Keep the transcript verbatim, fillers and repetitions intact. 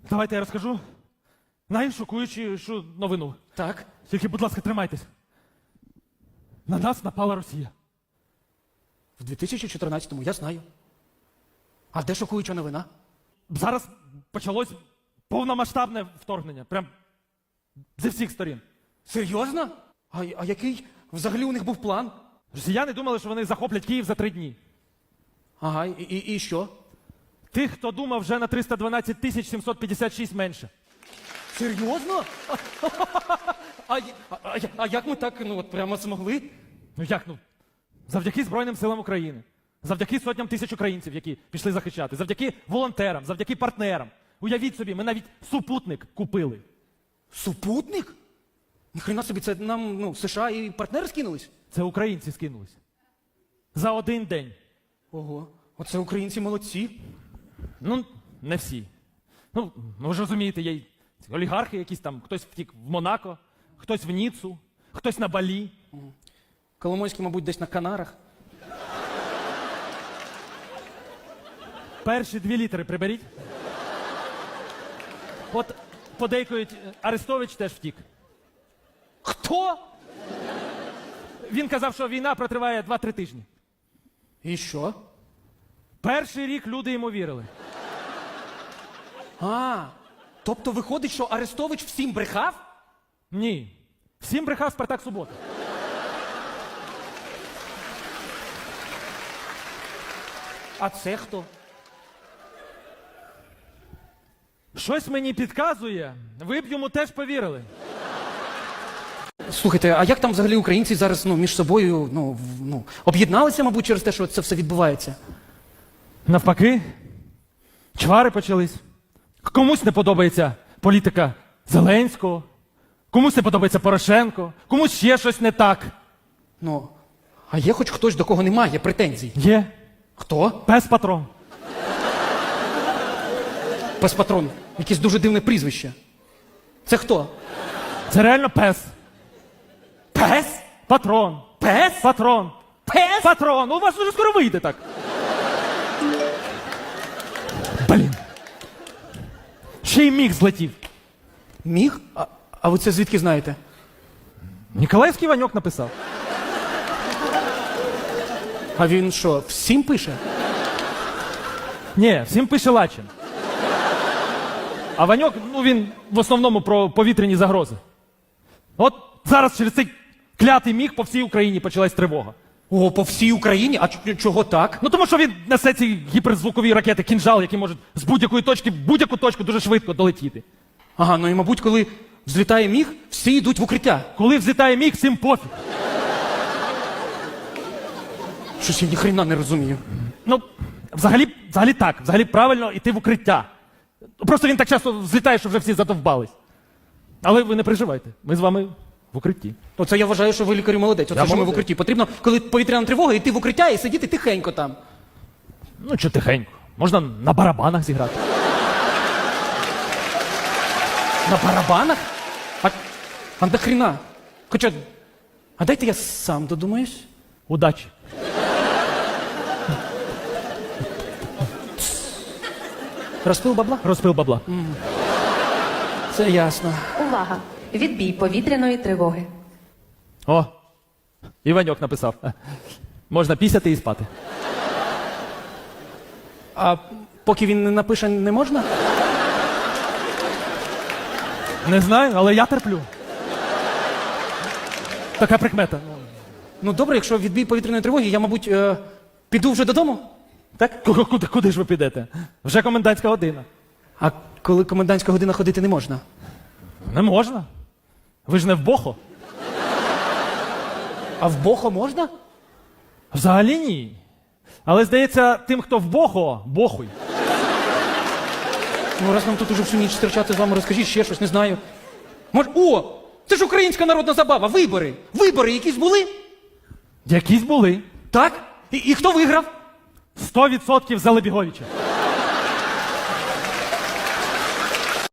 Давайте я розкажу найшокуючішу новину. Так. Тільки, будь ласка, тримайтесь. На нас напала Росія. В дві тисячі чотирнадцятому, я знаю. А де шокуюча новина? Зараз почалось повномасштабне вторгнення. Прям зі всіх сторін. Серйозно? А, а який взагалі у них був план? Росіяни думали, що вони захоплять Київ за три дні. Ага, і, і, і що? Тих, хто думав, вже на триста дванадцять тисяч сімсот п'ятдесят шість менше. Серйозно? А, а, а, а як ми так, ну от прямо змогли? Ну як, ну? Завдяки Збройним силам України. Завдяки сотням тисяч українців, які пішли захищати. Завдяки волонтерам, завдяки партнерам. Уявіть собі, ми навіть супутник купили. Супутник? Ніхрена собі, це нам, ну, США і партнери скинулись? Це українці скинулись. За один день. Ого, оце українці молодці. Ну, не всі. Ну, ви ж розумієте, є й олігархи якісь там, хтось втік в Монако, хтось в Ніццу, хтось на Балі. Коломойський, мабуть, десь на Канарах. Перші дві літери приберіть. От подейкують, Арестович теж втік. Хто? Він казав, що війна протриває два-три тижні. І що? Перший рік люди йому вірили. А, тобто виходить, що Арестович всім брехав? Ні. Всім брехав Спартак Субота. А це хто? Щось мені підказує, ви б йому теж повірили. Слухайте, а як там взагалі українці зараз, ну, між собою, ну, в- ну, об'єдналися, мабуть, через те, що це все відбувається? Навпаки, чвари почались. Комусь не подобається політика Зеленського, комусь не подобається Порошенко, комусь ще щось не так. Ну, а є хоч хтось, до кого немає претензій? Є Хто? пес-патрон. Пес-патрон. Якесь дуже дивне прізвище. Це хто? Це реально пес. Пес? Патрон. Пес? Патрон. Пес? Патрон. У вас уже скоро вийде так. Блін. Ще й міг злетів. Міг? А, а ви це звідки знаєте? Ніколаївський Ваньок написав. А він що, всім пише? Ні, всім пише Лачин. А Ваньок, ну він в основному про повітряні загрози. От зараз через цей клятий міг по всій Україні почалась тривога. О, по всій Україні? А ч- чого так? Ну тому що він несе ці гіперзвукові ракети «Кінжал», які можуть з будь-якої точки в будь-яку точку дуже швидко долетіти. Ага, ну і, мабуть, коли взлітає міг, всі йдуть в укриття. Коли взлітає міг, всім пофіг. Щось я ніхрена не розумію. Ну, взагалі, взагалі так, взагалі правильно йти в укриття. Просто він так часто злітає, що вже всі задовбались. Але ви не переживайте, ми з вами в укритті. Оце я вважаю, що ви лікарю молодець. Оце Я що ми в молодець. укритті. Потрібно, коли повітряна тривога, йти в укриття і сидіти тихенько там. Ну, чи тихенько. Можна на барабанах зіграти. На барабанах? А, а нахрена? Хоча, а дайте я сам додумаюсь. Удачі. Розпил бабла? Розпил бабла. Це ясно. Увага! Відбій повітряної тривоги. О, Іваньок написав. Можна пісяти і спати. А поки він не напише, не можна? Не знаю, але я терплю. Така прикмета. Ну добре, якщо відбій повітряної тривоги, я, мабуть, е, піду вже додому. Так? Ку- Куди, куди ж ви підете? Вже комендантська година. А коли комендантська година ходити не можна? Не можна. Ви ж не в Бохо. А в Бохо можна? Взагалі ні. Але, здається, тим, хто в Бохо, бохуй. Ну, раз нам тут уже всю ніч стерчати з вами, розкажіть ще щось, не знаю. Мож... О! Це ж українська народна забава, вибори! Вибори якісь були? Якісь були. Так? І, і хто виграв? Сто відсотків за Лебіговича.